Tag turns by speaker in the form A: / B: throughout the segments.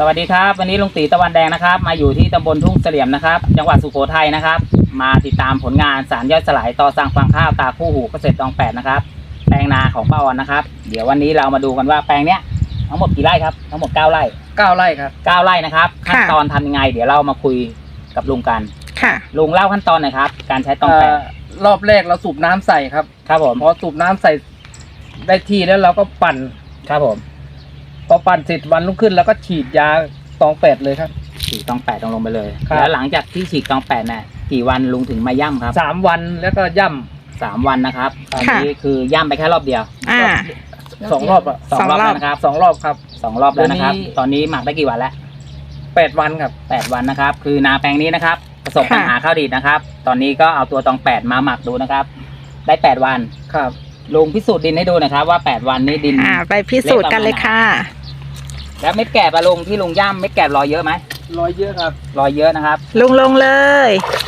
A: วัสดีครับวันนี้ลุงตีตะวันแดงนะครับมาอยู่ที่ตำบลทุ่งเสลี่ยมนะครับจังหวัดสุโขทัยนะครับมาติดตามผลงานสารย่อยสลายต่อสั่งฟางข้าวตาคู่หูเกษตรตองแปดนะครับแปลงนาของป้าออนนะครับเดี๋ยววันนี้เรามาดูกันว่าแปลงเนี้ยทั้งหมดกี่ไร่ครับทั้งหมด9 ไร่
B: 9 ไร่ครับ
A: 9 ไร่นะครับขั้นตอนทำยังไงเดี๋ยวเรามาคุยกับลุงกัน
C: ค่ะ
A: ลุงเล่าขั้นตอนหน่อยครับการใช้ตองแปด
B: รอบแรกเราสูบน้ำใส่ครับ
A: ผม
B: พอสูบน้ำใส่ได้ที่แล้วเราก็ปั่น
A: ครับผม
B: พอปั่นเสร็จวันรุ่งขึ้นแล้วก็ฉีดยาตองแปดเลยครับ
A: ฉีดตองแปดลงไปเลยแล้วหลังจากที่ฉีดตองแปดเนี่ยกี่วันลุงถึงมาย่ำครับ
B: 3 วันแล้วก็ย่ำ
A: 3 วันนะครับตอนนี้คือย่ำไปแค่รอบเดียว
B: 2 รอบอ่ะ
A: 2 รอบแล้วนะครับ
B: 2 รอบครับ
A: 2 รอบแล้วนะครับตอนนี้หมักได้กี่วันแล้ว
B: 8 วันครับ
A: 8 วันนะครับคือนาแปลงนี้นะครับประสบปัญหาข้าวดีดนะครับตอนนี้ก็เอาตัวตอง8มาหมักดูนะครับได้8 วัน
B: ครับ
A: ลุงพิสูจน์ดินให้ดูนะครับว่า8 วันนี้ดิน
C: ไปพิสูจน์กันเลยค่ะ
A: แล้วเม็ดแกบลุงที่ลุงย่ำเม็ดแกบลอยเยอะไหม
B: ลอยเยอะครับ
A: ลอยเยอะนะครับ
C: ลุงลงเลย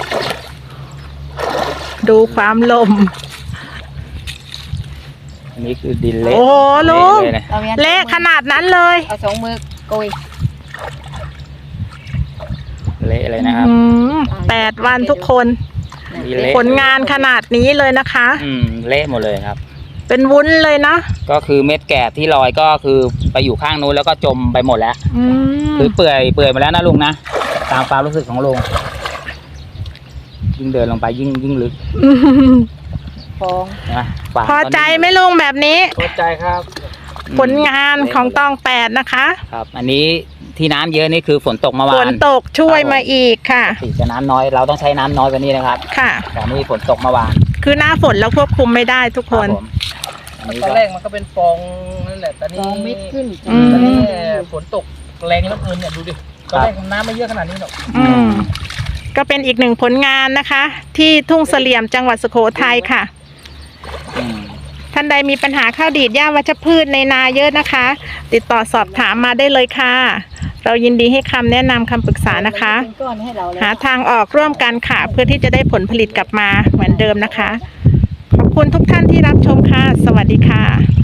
C: ดูความลม
A: อันนี้คือดินเละ
C: โอ้ลุงเละขนาดนั้นเลย
D: เอา2 มือโกย
A: เละเลยนะครับ
C: 8 วันทุกคนผลงานขนาดนี้เลยนะคะ
A: เละหมดเลยครับ
C: เป็นวุ้นเลยนะ
A: ก็คือเม็ดแกบที่ลอยก็คือไปอยู่ข้างนู้นแล้วก็จมไปหมดแล้วคือเปื่อยมาแล้วนะลุงนะตามความรู้สึกของลุงยิ่งเดินลงไปยิ่งลึก
C: พอใจไหมลุงแบบนี้
B: พอใจครับ
C: ผลงานของตอง8นะคะ
A: ครับอันนี้ที่น้ำเยอะนี่คือฝนตกเมื่อวาน
C: ฝนตกช่วยมาอีกค่ะ
A: สีจะน้ำน้อยเราต้องใช้น้ำน้อยกว่านี้นะครับ
C: ค่ะ
A: แต่นี่ฝนตกเมื่อวาน
C: คือหน้าฝนเราควบคุมไม่ได้ทุกคน
B: ตอนแรกมันก็เป็นฟองนั่นแหละตอนนี้
D: ฟองเม็ดขึ้น
B: ตอนนี้ฝนตกแรงแล้วเกินเนี่ยดูดิตอนแรกน้ำไม่เยอะขนาดนี้หรอก
C: ก็เป็นอีก1 ผลงานนะคะที่ทุ่งเสลี่ยมจังหวัดสุโขทัยค่ะท่านใดมีปัญหาข้าวดีดหญ้าวัชพืชในนาเยอะนะคะติดต่อสอบถามมาได้เลยค่ะเรายินดีให้คำแนะนำคำปรึกษานะคะหาทางออกร่วมกันค่ะเพื่อที่จะได้ผลผลิตกลับมาเหมือนเดิมนะคะขอบคุณทุกท่านที่รับชมค่ะสวัสดีค่ะ